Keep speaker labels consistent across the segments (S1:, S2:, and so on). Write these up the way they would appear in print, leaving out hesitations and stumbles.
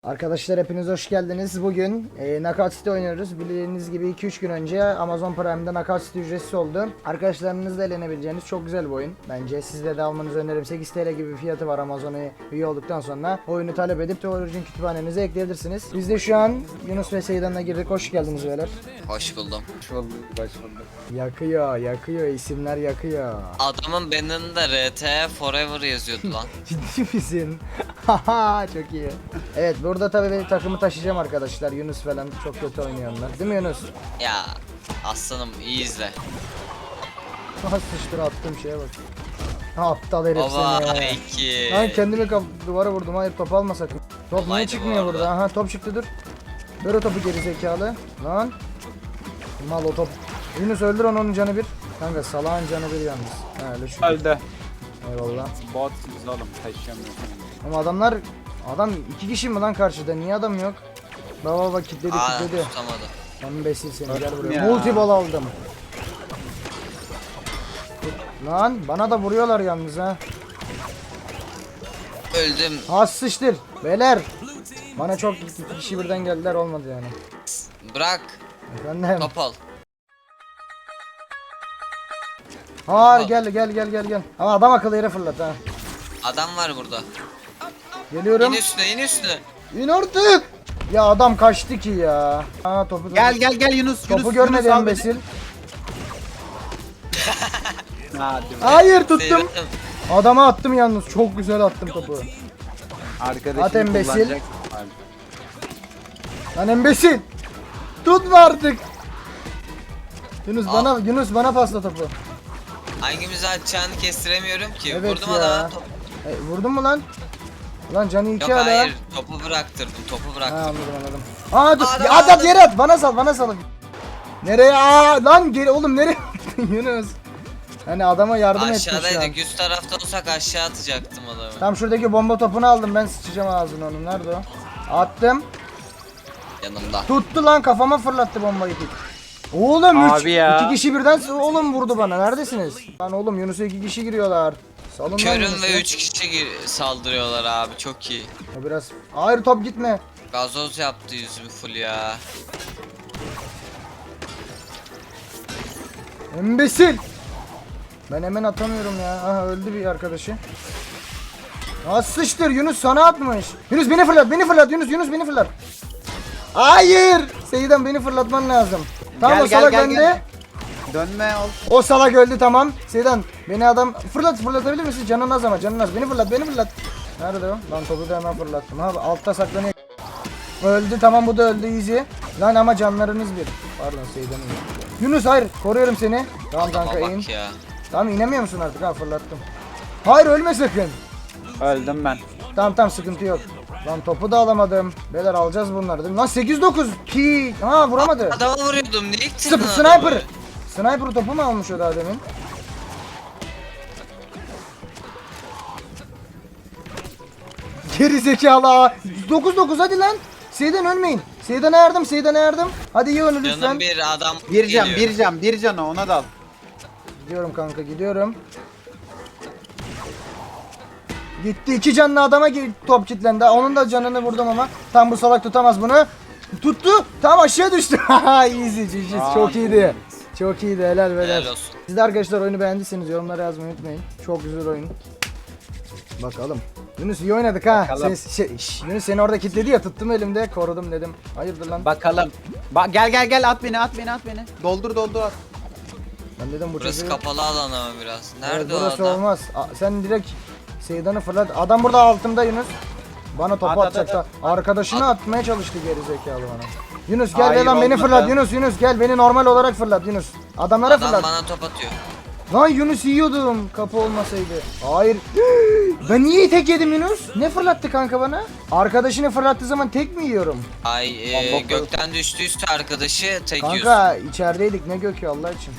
S1: Arkadaşlar hepiniz hoş geldiniz. Bugün Knockout City oynuyoruz. Bildiğiniz gibi 2-3 gün önce Amazon Prime'da Knockout City ücretsiz oldu. Arkadaşlarınızla eğlenebileceğiniz çok güzel bir oyun. Bence sizde de almanızı öneririm. 8 TL gibi bir fiyatı var Amazon'a üye olduktan sonra. Oyunu talep edip de Origin kütüphanenize ekleyebilirsiniz. Biz de şu an Yunus ve Seydan'la girdik. Hoş geldiniz beyler.
S2: Hoş buldum.
S3: Hoş bulduk.
S1: Yakıyor isimler yakıyor.
S2: Adamın beninde RT Forever yazıyordu lan.
S1: Ciddi misin? Haha çok iyi. Evet burada tabii benim takımı taşıyacağım arkadaşlar. Yunus falan çok kötü oynuyorlar. Değil mi Yunus?
S2: Ya aslanım iyi izle.
S1: Nasıl sıçtır attığım şeye bak. Aptal herif
S2: Baba
S1: seni ya.
S2: 2.
S1: Lan kendimi duvara vurdum. Hayır top alma sakın. Top niye
S2: Kolaydı bu
S1: çıkmıyor
S2: arada.
S1: burada? Aha top çıktı dur. Ver o topu geri zekalı. Lan. Mal o top. Yunus öldür onun canı bir. Kanka salağın canı bir yalnız. Ha öyle şu.
S3: Öldü.
S1: Eyvallah.
S3: Bot siz oğlum taşıyamıyorsun.
S1: Ama adam iki kişi mi lan karşıda? Niye adam yok? Baba kilitledi.
S2: Tutamadı.
S1: Embesil seni gel buraya.
S3: Ya.
S1: Multi ball aldım. Lan bana da vuruyorlar yalnız ha.
S2: Öldüm.
S1: Az sıçtır. Beyler. Bana çok iki kişi birden geldiler olmadı yani.
S2: Bırak.
S1: Efendim.
S2: Top al.
S1: Hayır gel. Ama adam akıllı yere fırlat ha.
S2: Adam var burada.
S1: Geliyorum.
S2: İn üstüne in üstüne.
S1: İn artık. Ya adam kaçtı ki ya. Aa topu
S3: Gel Yunus.
S1: Topu görmedi
S3: Yunus al
S1: embesil.
S3: beni. Hadi.
S1: Hayır tuttum.
S2: Seyrettim.
S1: Adama attım yalnız. Çok güzel attım topu.
S3: Arkadaşını
S1: At embesil.
S3: kullanacak.
S1: Lan embesil. Tutma artık. Yunus bana pasla topu.
S2: Hangimizi atacağını kestiremiyorum ki.
S1: Evet
S2: Vurdum
S1: ya.
S2: adama.
S1: Vurdun mu lan? Lan canı
S2: Yok
S1: iki hala.
S2: hayır. Topu bıraktırdım. Topu
S1: Ha,
S2: bıraktırdım.
S1: anladım. Aa dur.
S2: Adam,
S1: Ya, at
S2: adam.
S1: yere at. Bana sal. Nereye? Aa lan geri oğlum nereye attın Yunus? Hani adama yardım etmiş şu an.
S2: Aşağıdaydık. Üst tarafta olsak aşağı atacaktım adamı.
S1: Tam şuradaki bomba topunu aldım ben sıçacağım ağzına onun. Nerede o? Attım.
S2: Yanımda.
S1: Tuttu lan kafama fırlattı bombayı. Oğlum
S3: Abi ya.
S1: iki kişi birden oğlum vurdu bana. Neredesiniz? Lan oğlum Yunus'a iki kişi giriyorlar. Salın lan
S2: Körüm
S1: Yunus'u.
S2: ve 3 kişi saldırıyorlar abi. Çok iyi.
S1: O biraz. Hayır top gitme.
S2: Gazoz yaptı yüzümü full ya.
S1: Embesil. Ben hemen atamıyorum ya. Aha öldü bir arkadaşı. Nasıl sıçtır Yunus sana atmış. Yunus beni fırlat Yunus beni fırlat. Hayır. Seydan beni fırlatman lazım. Tamam o salak önde.
S3: Dönme ol.
S1: O salak öldü tamam. Seydan beni adam fırlatabilir misin? Canın az ama canın az. Beni fırlat. Nerede o? Lan topu da hemen fırlattım. Ha altta saklanıyor. Öldü tamam bu da öldü easy. Lan ama canlarınız bir. Pardon Seydan'ın. Yunus hayır koruyorum seni. Tamam kanka
S2: Adama
S1: in.
S2: bak ya.
S1: Tamam inemiyor musun artık ha fırlattım. Hayır ölme sakın.
S3: Öldüm ben.
S1: Tamam sıkıntı yok. Lan topu da alamadım. Beyler alacağız bunları değil mi? Lan 8-9 ki. Ha vuramadı.
S2: Adama vuruyordum. Niye gittin adamı?
S1: Sniper. Sniper topu mu almış o daha demin? Geri zekalı. 9-9 hadi lan. Seydan ölmeyin. Seydan'a yardım. Hadi iyi oyunu lütfen.
S2: Canım bir adam
S3: Bir can,
S2: geliyor.
S3: bir can o, ona dal.
S1: Gidiyorum kanka gidiyorum. Gitti iki canlı adama top kilitlendi. Onun da canını vurdum ama. Tam bu salak tutamaz bunu. Tuttu. Tam aşağı düştü. Easy GG. Çok iyiydi. Çok iyiydi helal beyler.
S2: Helal olsun.
S1: Siz de arkadaşlar oyunu beğendiyseniz yorumlara yazmayı unutmayın. Çok güzel oyun. Bakalım. Yunus iyi oynadık ha.
S3: Bakalım.
S1: Yunus seni orada kilitledi ya tuttum elimde korudum dedim. Hayırdır lan.
S3: Bakalım. Gel at beni. Doldur at.
S1: Ben dedim bu
S2: Burası
S1: çocuğu-
S2: kapalı alan ama biraz.
S1: Evet,
S2: Nerede o
S1: burası
S2: adam?
S1: olmaz. Sen direkt Seydan'ı fırlat. Adam burada altımda Yunus. Bana topu
S3: At.
S1: atacak. Arkadaşını atmaya çalıştı geri zekalı bana. Yunus gel
S3: Hayır,
S1: lan beni
S3: olmadı.
S1: fırlat Yunus gel beni normal olarak fırlat Yunus. Adamlara
S2: Adam
S1: fırlat.
S2: bana top atıyor.
S1: Lan Yunus yiyordum kapı olmasaydı. Hayır. Ben niye tek yedim Yunus? Ne fırlattı kanka bana? Arkadaşını fırlattığı zaman tek mi yiyorum?
S2: Ay
S3: Bomba
S2: gökten düştüyse arkadaşı tek yiyorsun.
S1: Kanka içerideydik ne gökü Allah için.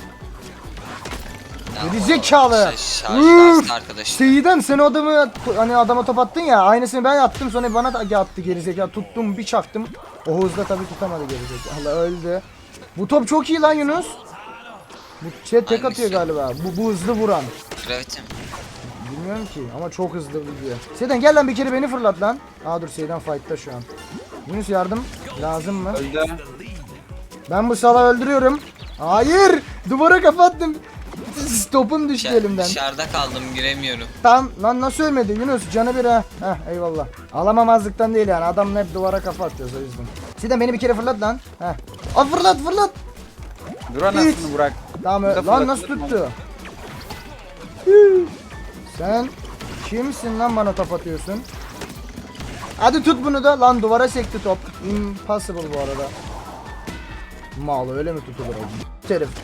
S2: Ya,
S1: geri
S2: o
S1: zekalı.
S2: Şarjlarsın arkadaşı.
S1: Seyiden sen o adamı hani adama top attın ya aynısını ben attım sonra bana da attı gerizekalı tuttum bir çaktım. O hızla tabii tutamadı gerizekalı öldü. Bu top çok iyi lan Yunus. Bu şey tek
S2: Hangisi?
S1: atıyor galiba. Bu hızlı vuran.
S2: Gravity mi?
S1: Bilmiyorum ki ama çok hızlı gidiyor. Seyden gel lan bir kere beni fırlat lan. Aa dur Seyden fight'ta şu an. Yunus yardım lazım mı?
S3: Öldü.
S1: Ben bu salağı öldürüyorum. Hayır! Duvara kapattım. Topum düştü elimden.
S2: Dışarıda kaldım giremiyorum.
S1: Tamam lan nasıl ölmedi Yunus canı bir ha. Heh eyvallah. Alamamazlıktan değil yani adamla hep duvara kafa atıyoruz o yüzden. Siden beni bir kere fırlat lan. Heh. Aa fırlat.
S3: Dur anasını bırak.
S1: Tamam
S3: Bir de
S1: lan nasıl
S3: fırlatırım
S1: tuttu? Hüüü. Sen kimsin lan bana top atıyorsun? Hadi tut bunu da lan duvara sekti top. Impossible bu arada. Mal öyle mi tutulur o? Herif.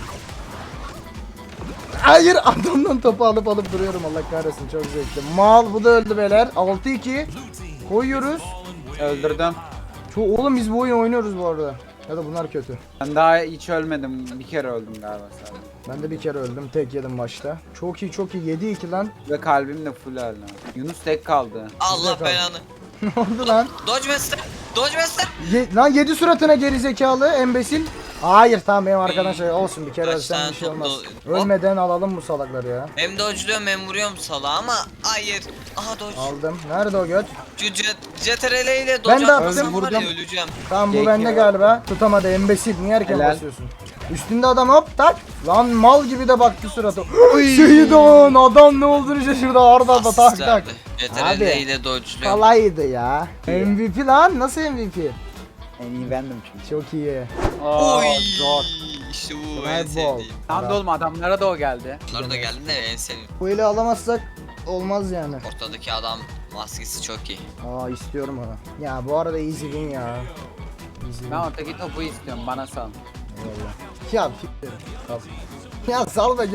S1: Hayır adamdan topu alıp duruyorum Allah kahretsin çok zevkli. Mal bu da öldü beyler. 6-2 koyuyoruz.
S3: Öldürdüm.
S1: Oğlum biz bu oyunu oynuyoruz bu arada. Ya da bunlar kötü.
S3: Ben daha hiç ölmedim. Bir kere öldüm galiba sadece.
S1: Ben de bir kere öldüm tek yedim başta. Çok iyi 7-2 lan.
S3: Ve kalbim de full öldü. Yunus tek kaldı.
S2: Allah
S1: kaldı.
S2: belanı.
S1: Ne oldu lan?
S2: Dodge Master. Dodge Master.
S1: Lan 7 suratına geri zekalı embesil. Hayır tamam benim arkadan şey olsun bir kere
S2: Kaç
S1: ölsem
S2: tane
S1: bir şey
S2: top
S1: olmaz.
S2: hop.
S1: Ölmeden alalım bu salakları ya.
S2: Hem dodge'luyorum hem vuruyorum salağa ama hayır. Aha dodge.
S1: Aldım. Nerede o göt?
S2: Şu CTRL ile
S1: Ben de
S2: dodge
S1: attım.
S2: atmasam var ya
S3: Vurdum.
S2: öleceğim.
S1: Tamam bu
S3: Peki.
S1: bende galiba. Tutamadı embesil. Niye erken
S3: Helal.
S1: basıyorsun? Üstünde adam hop tak. Lan mal gibi de baktı suratı. Seydan adam ne olduğunu şaşırdı arda tak tak.
S2: Asistlerdi.
S1: Abi.
S2: CTRL ile dodge'luyorum.
S1: Kolaydı ya. MVP lan nasıl MVP?
S3: En iyi bendim çünkü.
S1: Çok iyi.
S3: Aa,
S2: Oy.
S3: zor.
S2: İşte bu en
S1: Red Bull.
S2: sevdiğim.
S3: Tam da oğlum adamlara da o geldi.
S2: Bunları da geldim de en sevdiğim.
S1: Bu eli alamazsak olmaz yani.
S2: Ortadaki adam maskesi çok iyi.
S1: Aa istiyorum onu. Ya bu arada easy win ya. Easy win.
S3: Ben ortadaki topu istiyorum. Bana sal.
S1: Eyvallah. Ya ya sal be gel.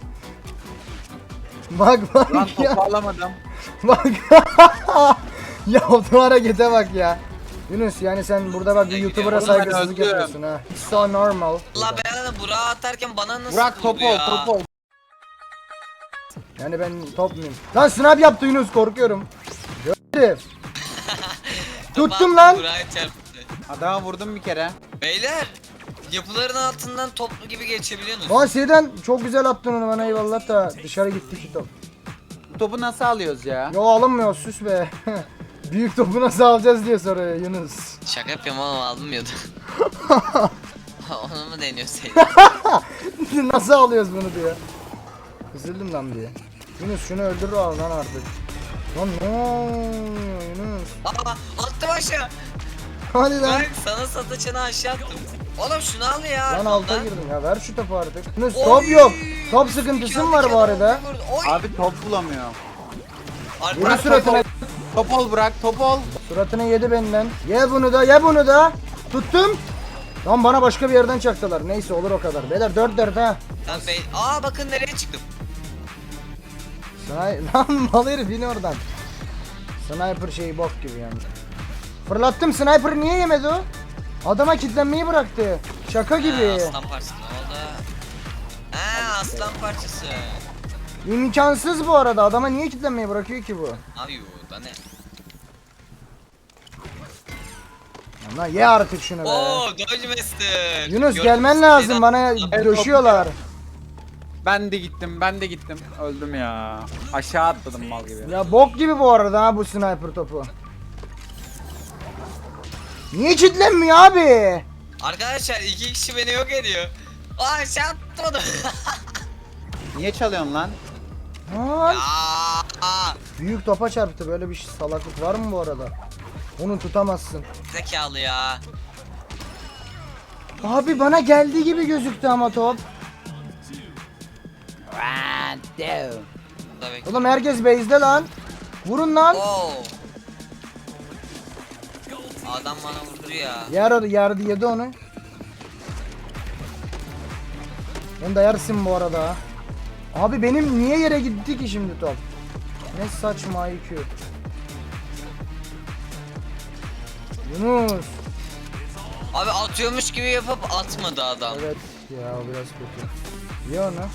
S1: Bak
S3: Lan
S1: ya.
S3: topu alamadım.
S1: Bak. Ya o harekete bak ya. Yunus yani sen burada bak bir YouTuber'a
S3: Oğlum ben
S1: saygısızlık
S3: öldüm.
S1: yapıyorsun ha. It's so normal.
S2: Allah belanı Burak'ı atarken bana nasıl
S3: Burak
S2: vurdu
S3: top ol
S2: ya?
S3: top ol.
S1: Yani ben top muyum? Lan snap yaptı Yunus korkuyorum. Herif. Tuttum lan.
S2: Burak'ı çarptı.
S3: Adama vurdum bir kere.
S2: Beyler yapıların altından toplu gibi geçebiliyorsunuz.
S1: Lan Seyden çok güzel attın onu bana eyvallah da dışarı gitti ki top.
S3: Bu topu nasıl alıyoruz ya?
S1: Yo alınmıyor süs be. Büyük topu nasıl alacağız diye soruyor Yunus.
S2: Şaka yapıyorum ama almıyordu. Onu mu deniyorsun?
S1: Nasıl alıyoruz bunu diye. Üzüldüm lan diye. Yunus şunu öldür lan artık. Lan ne oluyor Yunus?
S2: Aa attım aşağı.
S1: Hadi lan.
S2: Bak sana sataçını aşağı attım. Oğlum şunu al ya.
S1: Lan alta
S2: arkamdan.
S1: girdim ya ver şu topu artık. Yunus
S2: Oy!
S1: top yok. Top sıkıntısı mı var bu arada?
S2: Oy!
S3: Abi top bulamıyorum.
S1: Vurun
S2: Arka-
S1: suratına.
S3: Top ol Burak top ol.
S1: Suratını yedi benden. Ye bunu da ye bunu da. Tuttum. Lan bana başka bir yerden çaktılar. Neyse olur o kadar. Beyler 4-4 ha.
S2: Lan bey. Aa bakın nereye çıktım.
S1: Lan mal herif in oradan. Sniper şeyi bok gibi yani. Fırlattım sniper niye yemedi o? Adama kilitlenmeyi bıraktı. Şaka gibi.
S2: Aslan parçası ne oldu? Aslan parçası.
S1: İmkansız bu arada. Adama niye kilitlenmeyi bırakıyor ki bu?
S2: Abi da ne?
S1: Lan ye artık şunu be.
S2: Oo Dodge Master.
S1: Yunus
S2: Gördün
S1: gelmen
S2: mü?
S1: lazım
S2: Seydan-
S1: bana döşüyorlar.
S3: Ben de gittim. Öldüm ya. Aşağı atladım mal gibi.
S1: Ya bok gibi bu arada ha bu sniper topu. Niye kilitlenmiyor abi?
S2: Arkadaşlar iki kişi beni yok ediyor. Aa şey atmadı.
S3: Niye çalıyorsun lan?
S1: Lan.
S2: Aa,
S1: Büyük topa çarptı böyle bir salaklık var mı bu arada? Onu tutamazsın.
S2: zekalı ya.
S1: Abi bana geldiği gibi gözüktü ama top.
S2: Burada bekle.
S1: Oğlum herkes base'de lan. Vurun lan.
S2: Oo. Adam bana vurdu ya.
S1: Yardı yedi onu. Onu da yersin bu arada. ha. Abi benim niye yere gitti ki şimdi top? Ne saçma IQ. Yunus.
S2: Abi atıyormuş gibi yapıp atmadı adam.
S1: Evet ya o biraz kötü. Ye onu.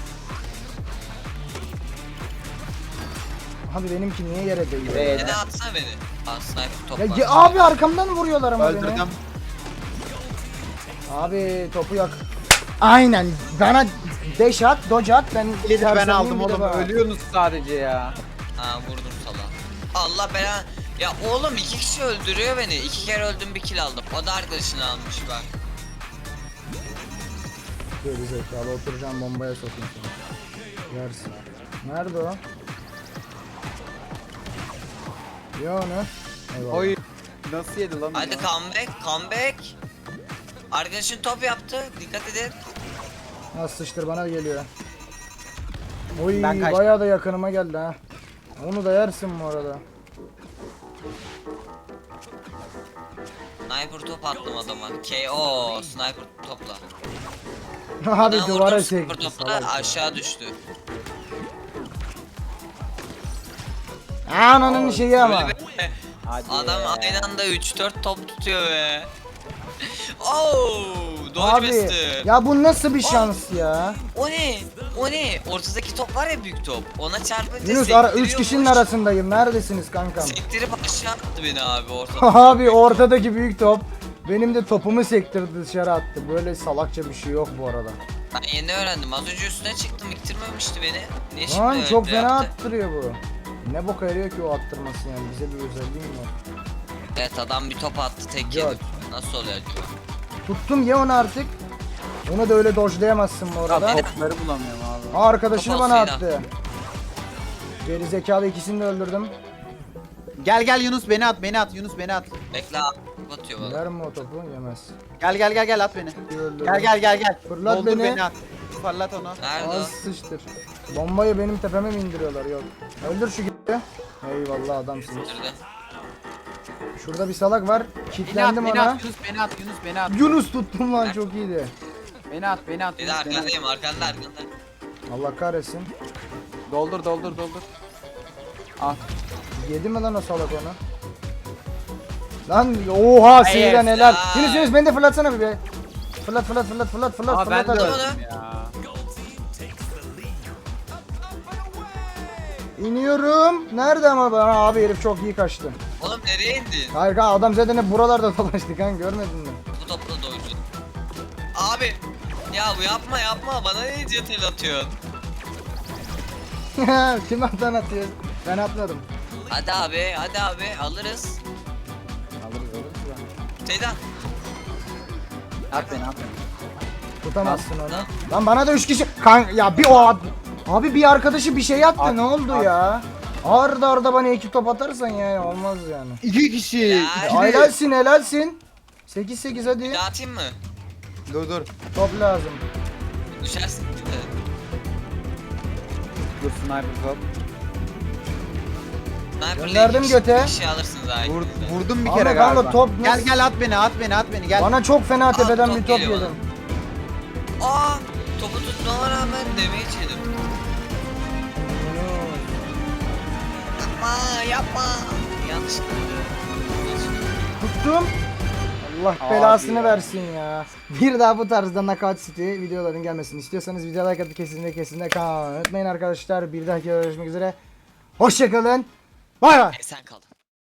S1: Abi benimki niye yere değiyor?
S3: Evet.
S2: Neden atsana beni? Aa sniper top
S1: Ya
S2: var.
S1: abi arkamdan vuruyorlar ama beni.
S3: Öldürdüm.
S1: Abi topu yak. Aynen bana Dash at, dodge at. Ben
S3: Ben
S1: sersemliyim,
S3: aldım
S1: bir de
S3: oğlum.
S1: bak.
S3: Ölüyorsunuz sadece ya.
S2: Ha vurdum sala. Allah belanı. Ya oğlum 2 kişi öldürüyor beni. 2 kere öldüm, bir kill aldım. O da arkadaşını almış bak.
S1: Geri zekalı, oturacağım bombaya sokayım seni. Yersin. Nerede o? Ya onu. Eyvallah.
S3: Oy. Nasıl yedi lan?
S2: Hadi
S3: onu?
S2: comeback, comeback. Arkadaşın top yaptı. Dikkat edin.
S1: Nasıl sıçtır bana geliyor. Oy
S3: Ben kaçtım.
S1: bayağı da yakınıma geldi ha. Onu da yersin bu arada.
S2: Sniper top attım adama. KO. Sniper topla.
S1: Abi
S2: Bana
S1: duvara
S2: vurdum, sniper
S1: çekti
S2: topla
S1: salak.
S2: aşağı düştü.
S1: Ananın şeyi ama.
S2: Böyle bir-
S3: Hadi.
S2: Adam aynı anda 3-4 top tutuyor be. Oh, dodge
S1: Abi
S2: bastı.
S1: ya bu nasıl bir şans ya?
S2: O ne? O ne? Ortadaki top var ya, büyük top. Ona çarpınca
S1: Yunus 3 kişinin arasındayım. Neredesiniz kankam?
S2: Sektirip aşağı attı beni abi ortada.
S1: Abi ortadaki büyük top benim de topumu sektirdi, dışarı attı. Böyle salakça bir şey yok bu arada.
S2: Ben yeni öğrendim. Az önce üstüne çıktım, ittirmemişti beni. Niye şimdi
S1: Lan çok
S2: öyle
S1: fena
S2: yaptı?
S1: attırıyor bu. Ne boka yarıyor ki o attırması yani, bize bir özelliği mi var?
S2: Evet, adam bir top attı, tek
S1: Yok.
S2: yedim. Nasıl oluyor acaba?
S1: Tuttum ye onu artık. Onu da öyle dodge'layamazsın bu arada.
S3: Topları bulamıyorum abi.
S1: Arkadaşını
S2: Top
S1: bana
S2: olsaydı.
S1: attı. Geri zekalı ikisini de öldürdüm.
S3: Gel gel Yunus beni at, beni at. Yunus beni at.
S2: Bekle abi, atıyor bana.
S1: Yer mi o topu? Yemez.
S3: Gel at beni.
S1: Öldürdüm.
S3: Gel.
S1: Fırlat
S3: Doldur
S1: beni.
S3: beni at. Fırlat onu.
S2: Nerede
S1: Az
S2: o?
S1: sıçtır. Bombayı benim tepeme mi indiriyorlar? Yok. Öldür şu gibi. Eyvallah adamsınız.
S2: Nerede?
S1: Şurada bir salak var.
S3: Beni at,
S1: Kilitlendim
S3: beni
S1: ona.
S3: at. Yunus beni at, Yunus beni at.
S1: Yunus tuttum lan, çok iyiydi.
S3: Beni at.
S2: Bir de
S3: Yunus, beni at.
S2: arkandayım, arkanda.
S1: Allah kahretsin.
S3: Doldur. Al.
S1: Yedi mi lan o salak onu? Lan oha sinirden
S2: Hayır,
S1: helal.
S2: ya.
S1: Yunus beni de fırlatsana bir be. Fırlat
S3: Aa ben de
S1: hadi.
S3: öldüm ya.
S1: İniyorum. Nerede ama bana abi, herif çok iyi kaçtı.
S2: Oğlum nereye indin?
S1: Hayır kanka, adam zaten hep buralarda dolaştı kanka, görmedin mi?
S2: Bu topla doydu. Abi. Ya bu yapma. Bana ne idiot atıyorsun?
S1: Kim attan atıyor? Ben atmadım.
S2: Hadi abi alırız.
S1: Alırız ya.
S2: Seydan.
S3: At beni.
S1: Tutamazsın onu. Lan bana da 3 kişi ya bir o abi bir arkadaşı bir şey attı,
S3: At,
S1: ne oldu
S3: at.
S1: ya? Arda bana 2 top atarsan yani olmaz yani.
S3: 2 kişi.
S2: Ya.
S1: Helalsin. 8-8 hadi.
S2: Bir daha atayım mı?
S3: Dur.
S1: Top lazım.
S2: Düşersin.
S3: Dur sniper top.
S2: Sniper'la
S1: Gönderdim
S2: iki
S1: göte.
S2: kişi alırsınız ha.
S3: Vurdum bir
S1: Ama
S3: kere
S1: kanka
S3: galiba.
S1: top
S3: Gel
S1: nasıl-
S3: at beni gel.
S1: Bana çok fena tepeden
S2: top
S1: bir top
S2: geliyor
S1: yedim.
S2: Aa, topu tutmama rağmen damage yedim. Yapma. Yanlışlıkla.
S1: Tuttum. Allah
S3: Abi
S1: belasını
S3: ya.
S1: versin ya. Bir daha bu tarzda Knockout City videoların gelmesini istiyorsanız videoya like atıp kesinlikle kanalıma unutmayın arkadaşlar. Bir dahaki görüşmek üzere. Hoşçakalın. Bay bay.
S2: Sen kal.